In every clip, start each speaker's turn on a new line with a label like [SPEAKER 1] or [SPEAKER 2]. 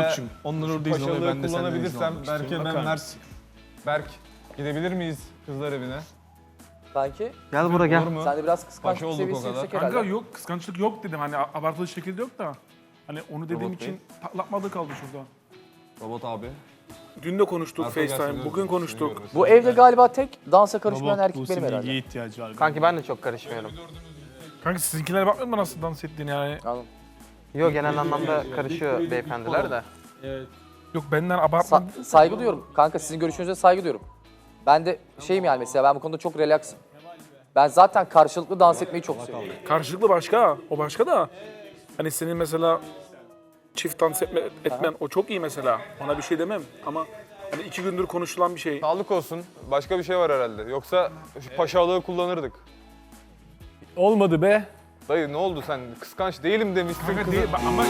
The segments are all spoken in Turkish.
[SPEAKER 1] için.
[SPEAKER 2] Onları
[SPEAKER 3] Paşalığı kullanabilirsem Berk'e ben Mert. Berk, gidebilir miyiz kızlar evine?
[SPEAKER 4] Kanki
[SPEAKER 5] Gel buraya gel.
[SPEAKER 3] Olur mu?
[SPEAKER 4] sen de biraz
[SPEAKER 3] Paşa
[SPEAKER 4] kıskançlık
[SPEAKER 3] olduk
[SPEAKER 4] seviyesi
[SPEAKER 3] o kadar.
[SPEAKER 4] yüksek herhalde.
[SPEAKER 1] Kanka yok, kıskançlık yok dedim. Hani abartılı şekilde yok da. Hani onu dediğim
[SPEAKER 3] Robot
[SPEAKER 1] için patlatmadı kaldı şurada.
[SPEAKER 3] Robot abi.
[SPEAKER 1] Dün de konuştuk
[SPEAKER 3] Arka
[SPEAKER 1] FaceTime,
[SPEAKER 3] gelsin,
[SPEAKER 1] bugün
[SPEAKER 3] seni
[SPEAKER 1] konuştuk.
[SPEAKER 3] görmesin.
[SPEAKER 4] Bu evde galiba tek dansa karışmayan erkek benim herhalde.
[SPEAKER 1] ilgiye ihtiyacı var.
[SPEAKER 5] Kanki ben de çok karışmıyorum.
[SPEAKER 1] Kanka sizinkilere bakmıyor musun nasıl dans ettiğini yani?
[SPEAKER 4] Anladım.
[SPEAKER 5] Yok genel anlamda karışıyor beyefendiler de.
[SPEAKER 1] Yok benden abartma.
[SPEAKER 4] Saygı duyuyorum. Kanka sizin görüşünüze saygı duyuyorum. Ben de şeyim yani mesela ben bu konuda çok relaxım. Ben zaten karşılıklı dans etmeyi çok seviyorum.
[SPEAKER 1] Karşılıklı başka, o başka da. Hani senin mesela çift dans etmen o çok iyi mesela. Ona bir şey demem ama hani 2 gündür konuşulan bir şey.
[SPEAKER 3] Sağlık olsun. Başka bir şey var herhalde. Yoksa şu paşalığı kullanırdık.
[SPEAKER 1] Olmadı be.
[SPEAKER 3] Dayı ne oldu sen? Kıskanç değilim demiştin
[SPEAKER 1] Kanka
[SPEAKER 3] kızı.
[SPEAKER 1] değil ama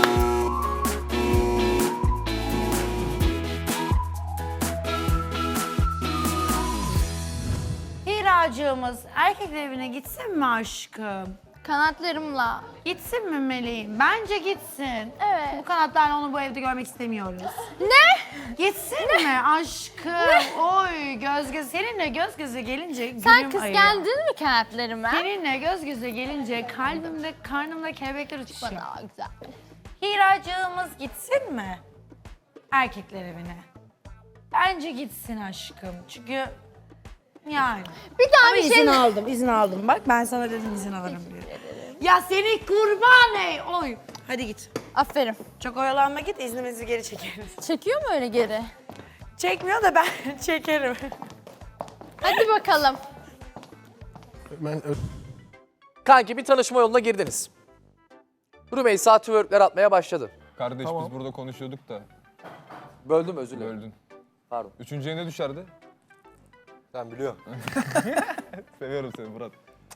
[SPEAKER 6] Hiracığımız erkek evine gitsin mi aşkım?
[SPEAKER 7] Kanatlarımla.
[SPEAKER 6] Gitsin mi meleğim? Bence gitsin.
[SPEAKER 7] Evet.
[SPEAKER 6] Bu kanatlarla onu bu evde görmek istemiyoruz.
[SPEAKER 7] Ne?
[SPEAKER 6] Gitsin mi aşkım? Oy göz göze. Seninle göz göze gelince
[SPEAKER 7] Sen
[SPEAKER 6] gülüm ayıyor.
[SPEAKER 7] kıskandın mı kanatlarımı?
[SPEAKER 6] Seninle göz göze gelince kalbimde, karnımda kelebekler uçuşuyor.
[SPEAKER 7] Bana güzel.
[SPEAKER 6] Hiracığımız gitsin mi? Erkekler evine. Bence gitsin aşkım. Çünkü yani.
[SPEAKER 7] Bir daha
[SPEAKER 6] Ama
[SPEAKER 7] bir şey...
[SPEAKER 6] izin aldım. Bak ben sana dedim izin alırım diye. Ya seni kurban ey. Oy. Hadi git.
[SPEAKER 7] Aferin.
[SPEAKER 6] Çok oyalanma git, iznimizi geri çekeriz.
[SPEAKER 7] Çekiyor mu öyle geri?
[SPEAKER 6] Çekmiyor da ben çekerim.
[SPEAKER 7] Hadi bakalım.
[SPEAKER 4] Kanki bir tanışma yoluna girdiniz. Rümeysa twerkler atmaya başladı.
[SPEAKER 3] Kardeş
[SPEAKER 1] Tamam.
[SPEAKER 3] biz burada konuşuyorduk da
[SPEAKER 4] Böldüm özür dilerim.
[SPEAKER 3] böldün.
[SPEAKER 4] Pardon.
[SPEAKER 3] Üçüncüye ne düşerdi?
[SPEAKER 2] Ben biliyorum.
[SPEAKER 3] Seviyorum seni Murat.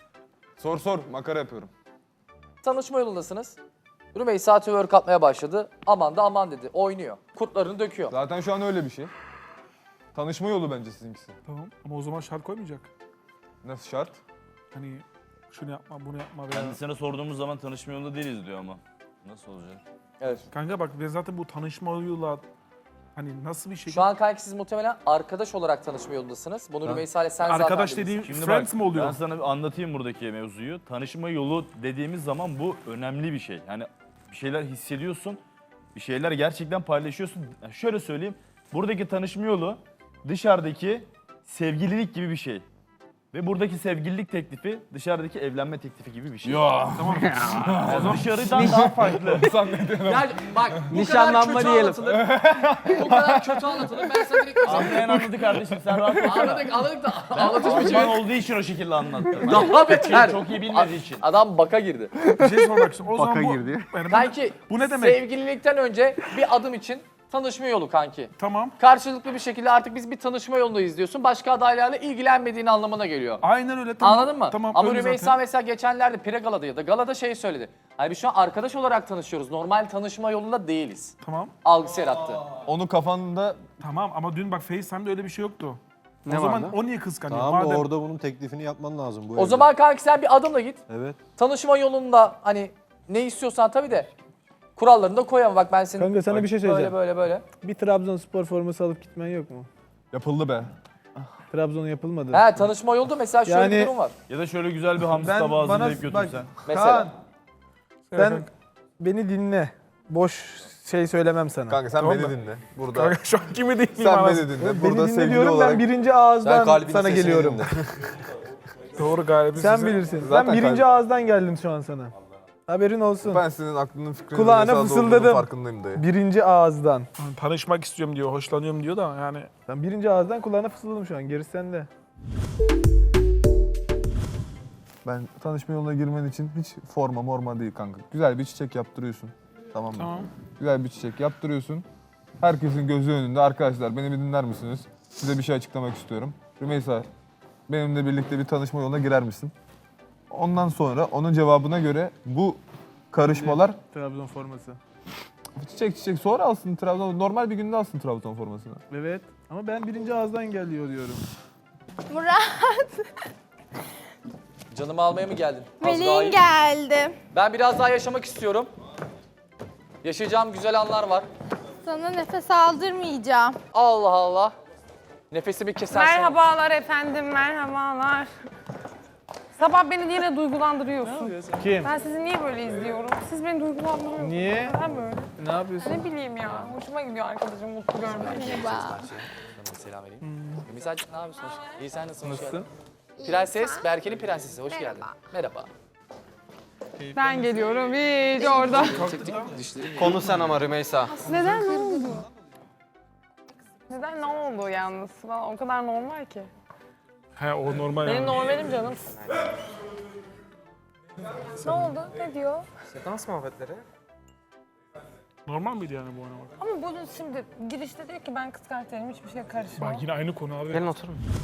[SPEAKER 3] Sor makara yapıyorum.
[SPEAKER 4] Tanışma yolundasınız. Rümeysa twerk atmaya başladı. Aman da aman dedi. Oynuyor. Kurtlarını döküyor.
[SPEAKER 3] Zaten şu an öyle bir şey. Tanışma yolu bence sizinkisi.
[SPEAKER 1] Tamam ama o zaman şart koymayacak.
[SPEAKER 3] Nasıl şart?
[SPEAKER 1] Hani şunu yapma, bunu yapma veya...
[SPEAKER 8] Kendisine sorduğumuz zaman tanışma yolunda değiliz diyor ama. Nasıl olacak?
[SPEAKER 4] Evet.
[SPEAKER 1] Kanka bak ben zaten bu tanışma yoluyla hani nasıl bir şey...
[SPEAKER 4] Şu an kanki siz muhtemelen arkadaş olarak tanışma yolundasınız. Bunu Rümeysa ile sen
[SPEAKER 1] Arkadaş
[SPEAKER 4] zaten
[SPEAKER 1] dediğim
[SPEAKER 4] dediniz.
[SPEAKER 8] Şimdi
[SPEAKER 1] friends
[SPEAKER 8] bak,
[SPEAKER 1] mi oluyor?
[SPEAKER 8] ben sana bir anlatayım buradaki mevzuyu. Tanışma yolu dediğimiz zaman bu önemli bir şey. Yani bir şeyler hissediyorsun, bir şeyler gerçekten paylaşıyorsun. Yani şöyle söyleyeyim, buradaki tanışma yolu dışarıdaki sevgililik gibi bir şey. Ve buradaki sevgililik teklifi dışarıdaki evlenme teklifi gibi bir şey.
[SPEAKER 1] Ya tamam.
[SPEAKER 8] Yani dışarıdan daha farklı.
[SPEAKER 4] Ya bak bu
[SPEAKER 5] Nişanlanma
[SPEAKER 4] kadar kötü
[SPEAKER 5] diyelim.
[SPEAKER 4] anlatılır. Bu kadar kötü anlatılır. Ben sana direkt
[SPEAKER 8] Anlayan anladı kardeşim, sen rahat ol.
[SPEAKER 4] anladık da
[SPEAKER 8] Ben
[SPEAKER 4] anlatış biçimi
[SPEAKER 8] Alman olduğu için o şekilde anlattım.
[SPEAKER 4] daha beter.
[SPEAKER 8] Çok iyi bilmediği için.
[SPEAKER 4] Adam baka girdi.
[SPEAKER 1] Bir şey sormak istiyorum. O zaman
[SPEAKER 5] Baka
[SPEAKER 1] bu...
[SPEAKER 5] girdi.
[SPEAKER 1] Yani
[SPEAKER 4] Kanki
[SPEAKER 1] bu ne demek?
[SPEAKER 4] sevgililikten önce bir adım için tanışma yolu kanki.
[SPEAKER 1] Tamam.
[SPEAKER 4] Karşılıklı bir şekilde artık biz bir tanışma yolundayız diyorsun. Başka adaylarla ilgilenmediğin anlamına geliyor.
[SPEAKER 1] Aynen öyle. Tamam.
[SPEAKER 4] Anladın mı?
[SPEAKER 1] Tamam.
[SPEAKER 4] Ama
[SPEAKER 1] öyle
[SPEAKER 4] Rümeysa
[SPEAKER 1] zaten.
[SPEAKER 4] mesela geçenlerde Pregala'da ya da Gala'da şey söyledi. Hani biz şu an arkadaş olarak tanışıyoruz. Normal tanışma yolunda değiliz.
[SPEAKER 1] Tamam.
[SPEAKER 4] Algısı yarattı.
[SPEAKER 3] Onu kafanda
[SPEAKER 1] Tamam ama dün bak FaceTime'de öyle bir şey yoktu.
[SPEAKER 5] Ne
[SPEAKER 1] o zaman
[SPEAKER 5] vardı?
[SPEAKER 1] o niye kıskanıyor?
[SPEAKER 2] Tamam da
[SPEAKER 1] Madem
[SPEAKER 2] orada bunun teklifini yapman lazım bu
[SPEAKER 4] O
[SPEAKER 2] evde.
[SPEAKER 4] zaman kanki sen bir adımla git.
[SPEAKER 2] Evet.
[SPEAKER 4] Tanışma yolunda hani ne istiyorsan tabii de kurallarını da koy ama bak ben senin
[SPEAKER 9] Kanka sana bir şey söyleyeceğim.
[SPEAKER 4] böyle.
[SPEAKER 9] Bir Trabzonspor forması alıp gitmen yok mu?
[SPEAKER 3] yapıldı be.
[SPEAKER 9] Trabzon yapılmadı.
[SPEAKER 4] He tanışma yolunda mesela şöyle bir
[SPEAKER 9] Yani-
[SPEAKER 4] durum var.
[SPEAKER 8] Ya da şöyle güzel bir hamsi
[SPEAKER 9] Ben
[SPEAKER 8] tabağı
[SPEAKER 9] bana
[SPEAKER 8] hazırlayıp
[SPEAKER 9] bak
[SPEAKER 8] götürsen.
[SPEAKER 4] Mesela.
[SPEAKER 9] Kaan sen beni dinle. Boş şey söylemem sana.
[SPEAKER 3] Kanka sen
[SPEAKER 1] Tamam
[SPEAKER 3] beni
[SPEAKER 1] mı?
[SPEAKER 3] dinle. Burada
[SPEAKER 1] Kanka şu an kimi değil
[SPEAKER 3] sen
[SPEAKER 1] anasını.
[SPEAKER 3] beni dinle.
[SPEAKER 9] Beni
[SPEAKER 3] Burada
[SPEAKER 9] dinle
[SPEAKER 3] sevgili
[SPEAKER 9] diyorum
[SPEAKER 3] olarak
[SPEAKER 9] ben birinci
[SPEAKER 2] Sen
[SPEAKER 9] ağızdan
[SPEAKER 2] kalbinin
[SPEAKER 9] sana
[SPEAKER 2] sesini
[SPEAKER 9] geliyorum.
[SPEAKER 2] dinle.
[SPEAKER 1] Doğru galiba.
[SPEAKER 9] Sen bilirsin.
[SPEAKER 3] Zaten
[SPEAKER 9] Ben birinci
[SPEAKER 3] kalbim-
[SPEAKER 9] ağızdan geldim şu an sana. Haberin olsun.
[SPEAKER 3] ben senin aklının fikrinin
[SPEAKER 9] Kulağına
[SPEAKER 3] Rümeysa'da olduğunun
[SPEAKER 9] fısıldadım.
[SPEAKER 3] farkındayım dayı.
[SPEAKER 9] Birinci ağızdan.
[SPEAKER 1] Tanışmak istiyorum diyor, hoşlanıyorum diyor da yani.
[SPEAKER 9] Ben birinci ağızdan kulağına fısıldadım şu an. Gerisi sende.
[SPEAKER 3] Ben tanışma yoluna girmen için hiç morma değil kanka. Güzel bir çiçek yaptırıyorsun. Tamam mı?
[SPEAKER 1] Tamam.
[SPEAKER 3] Güzel bir çiçek yaptırıyorsun. Herkesin gözü önünde. Arkadaşlar beni bir dinler misiniz? Size bir şey açıklamak istiyorum. Rümeysa, benimle birlikte bir tanışma yoluna girer misin? Ondan sonra onun cevabına göre bu karışmalar
[SPEAKER 9] Trabzon forması.
[SPEAKER 3] çiçek sonra alsın Trabzon. Normal bir günde alsın Trabzon formasını.
[SPEAKER 9] Evet. Ama ben birinci ağızdan geliyor diyorum.
[SPEAKER 7] Murat,
[SPEAKER 4] Canımı almaya mı geldin? Az daha
[SPEAKER 7] Melih'in
[SPEAKER 4] iyi.
[SPEAKER 7] geldi.
[SPEAKER 4] Ben biraz daha yaşamak istiyorum. Yaşayacağım güzel anlar var.
[SPEAKER 7] Sana nefes aldırmayacağım.
[SPEAKER 4] Allah Allah. Nefesimi kesersen.
[SPEAKER 10] Merhabalar efendim, merhabalar. Sabah beni yine duygulandırıyorsun.
[SPEAKER 9] Kim?
[SPEAKER 10] Ben sizi niye böyle izliyorum? Siz beni duygulandırıyorsunuz.
[SPEAKER 9] Niye?
[SPEAKER 10] Neden böyle?
[SPEAKER 9] Ne yapıyorsun?
[SPEAKER 10] Ne bileyim ya. Hoşuma gidiyor arkadaşım mutlu görmek.
[SPEAKER 7] Merhaba.
[SPEAKER 4] Selam vereyim. Misacık ne yapıyorsun? İyi sen nasılsın? Nasılsın? Prenses, Berke'nin prensesi. Hoş geldin. Merhaba.
[SPEAKER 10] Ben geliyorum hiç orada.
[SPEAKER 5] Konu sen ama Rümeysa.
[SPEAKER 10] Neden ne oldu? Neden ne oldu yalnız? O kadar normal ki.
[SPEAKER 1] He o normal
[SPEAKER 10] Benim
[SPEAKER 1] yani.
[SPEAKER 10] normalim canım. Ne oldu? Ne diyor?
[SPEAKER 5] Dans muhabbetleri.
[SPEAKER 1] Normal miydi yani bu oynamak?
[SPEAKER 10] Ama bunun şimdi girişte diyor ki ben kız kardeşlerim hiçbir şeye karışmam.
[SPEAKER 1] Bak yine aynı konu abi.
[SPEAKER 5] Gelin oturun.